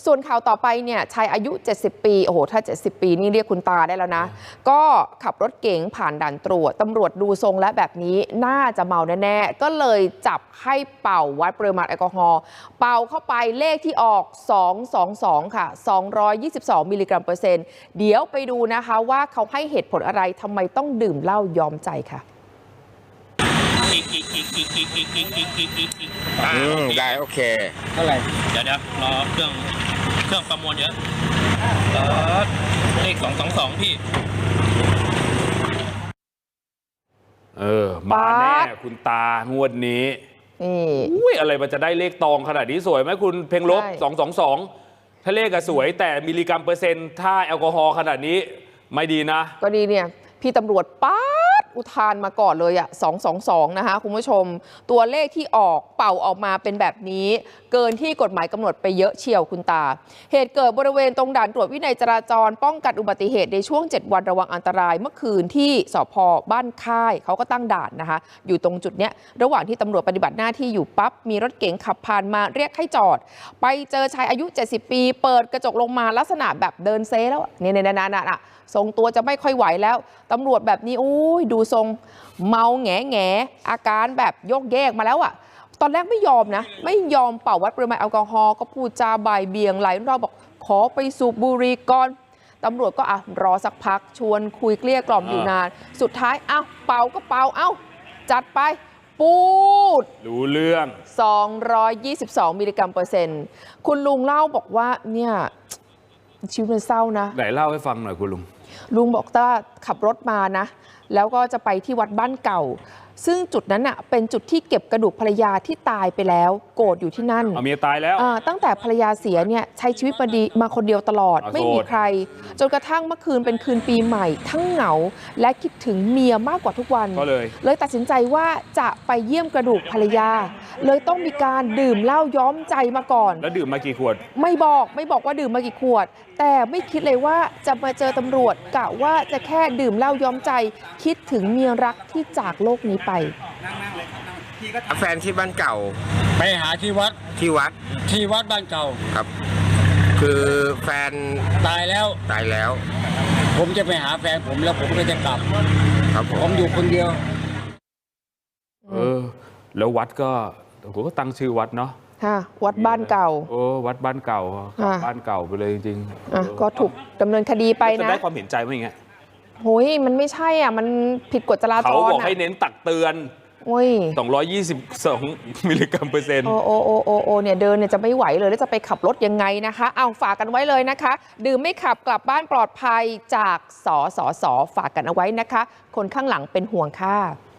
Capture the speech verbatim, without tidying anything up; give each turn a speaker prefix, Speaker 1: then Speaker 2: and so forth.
Speaker 1: ส่วนข่าวต่อไปเนี่ยชายอายุเจ็ดสิบปีโอ้โหถ้าเจ็ดสิบปีนี่เรียกคุณตาได้แล้วนะก็ขับรถเก๋งผ่านด่านตรวจตำรวจดูทรงและแบบนี้น่าจะเมาแน่ๆก็เลยจับให้เป่าวัดปริมาณแอลกอฮอล์เป่าเข้าไปเลขที่ออกสองร้อยยี่สิบสองค่ะสองร้อยยี่สิบสองมิลลิกรัมเปอร์เซ็นต์เดี๋ยวไปดูนะคะว่าเขาให้เหตุผลอะไรทำไมต้องดื่มเหล้ายอมใจค่ะ
Speaker 2: อืมได้โอเคเท่าไหร่
Speaker 3: เดี๋ยวเดี๋ยวรอเครื่องเครื่องประมวลเยอะเลขสองสองสองพี่
Speaker 4: เออมาแน่คุณตางวดนี้นี่อุ้ยอะไรมันจะได้เลขตองขนาดนี้สวยไหมคุณเพ่งลบสองสองสองถ้าเลขอะสวยแต่มิลลิกรัมเปอร์เซ็นต์ถ้าแอลกอฮอล์ขนาดนี้ไม่ดีนะ
Speaker 1: ก็ดีเนี่ยพี่ตำรวจป๊าดอุทานมาก่อนเลยอะสองสองสองนะคะคุณผู้ชมตัวเลขที่ออกเป่าออกมาเป็นแบบนี้เกินที่กฎหมายกำหนดไปเยอะเชียวคุณตาเหตุเกิดบริเวณตรงด่านตรวจวินัยจราจรป้องกันอุบัติเหตุในช่วงเจ็ดวันระวังอันตรายเมื่อคืนที่สภ.บ้านค่ายเขาก็ตั้งด่านนะคะอยู่ตรงจุดเนี้ยระหว่างที่ตำรวจปฏิบัติหน้าที่อยู่ปั๊บมีรถเก๋งขับผ่านมาเรียกให้จอดไปเจอชายอายุเจ็ดสิบปีเปิดกระจกลงมาลักษณะแบบเดินเซแล้วเนี่ยเนี่ยนั่นๆทรงตัวจะไม่ค่อยไหวแล้วตำรวจแบบนี้อุ้ยดูทรงเมาแง่แง่อาการแบบโยกแยกมาแล้วอะตอนแรกไม่ยอมนะไม่ยอมเป่าวัดปริมาณแอลกอฮอล์ก็พูดจาบ่ายเบี่ยงหลายรอบบอกขอไปสูบบุหรี่ก่อนตำรวจก็อ่ะรอสักพักชวนคุยเกลี้ยกล่อมอยู่นานสุดท้ายอ้าวเป่าก็เป่าเอ้าจัดไปปูด
Speaker 4: รู้เรื่อง
Speaker 1: สองร้อยยี่สิบสองมิลลิกรัมเปอร์เซ็นต์คุณลุงเล่าบอกว่าเนี่ยชีวิตมันเศร้านะ
Speaker 4: ไหนเล่าให้ฟังหน่อยคุณลุง
Speaker 1: ลุงบอกว่าขับรถมานะแล้วก็จะไปที่วัดบ้านเก่าซึ่งจุดนั้นอ่ะเป็นจุดที่เก็บกระดูกภรรยาที่ตายไปแล้วโกรธอยู่ที่นั่น
Speaker 4: เมียตายแล้ว
Speaker 1: ตั้งแต่ภรรยาเสียเนี่ยใช้ชีวิตมาดีมาคนเดียวตลอดไม่มีใครจนกระทั่งเมื่อคืนเป็นคืนปีใหม่ทั้งเหงาและคิดถึงเมียมากกว่าทุกวัน
Speaker 4: ก็เลย
Speaker 1: เลยตัดสินใจว่าจะไปเยี่ยมกระดูกภรรยาเลยต้องมีการดื่มเหล้าย้อมใจมาก่อน
Speaker 4: แล้วดื่มมากี่ขวด
Speaker 1: ไม่บอกไม่บอกว่าดื่มมากี่ขวดแต่ไม่คิดเลยว่าจะมาเจอตำรวจกะว่าจะแค่ดื่มเหล้าย้อมใจคิดถึงเมียรักที่จากโลกนี้ไป
Speaker 2: แฟนที่บ้านเก่า
Speaker 3: ไปหาที่วัด
Speaker 2: ที่วัด
Speaker 3: ที่วัดบ้านเก่า
Speaker 2: ครับคือแฟน
Speaker 3: ตายแล้ว
Speaker 2: ตายแล้ว
Speaker 3: ผมจะไปหาแฟนผมแล้วผมก็จะกลับ
Speaker 2: ครับ
Speaker 3: ผมอยู่คนเดียว
Speaker 4: เออแล้ววัดก็ผมก็ตั้งชื่อวัดเนาะ
Speaker 1: ค่ะวัดบ้านเก่า
Speaker 4: โอ้วัดบ้านเก่าบ้านเก่าไปเลยจริง
Speaker 1: ๆอ่ะก็ถูกดำเนินคดีไปนะ
Speaker 4: จะได้ความเห็นใจไหมอย่างเงี้ย
Speaker 1: โอ้ยมันไม่ใช่อ่ะมันผิดกฎจราจร
Speaker 4: เขาบอกให้เน้นตักเตือน
Speaker 1: โอ้ย
Speaker 4: สองร้อยยี่สิบสองมิลลิกรัมเปอร์เซ็นต์
Speaker 1: โอ้โอ้โอ้โอ้โอ้เนี่ยเดินเนี่ยจะไม่ไหวเลยแล้วจะไปขับรถยังไงนะคะเอาฝากกันไว้เลยนะคะดื่มไม่ขับกลับบ้านปลอดภัยจากสสสฝากกันเอาไว้นะคะคนข้างหลังเป็นห่วงค่ะ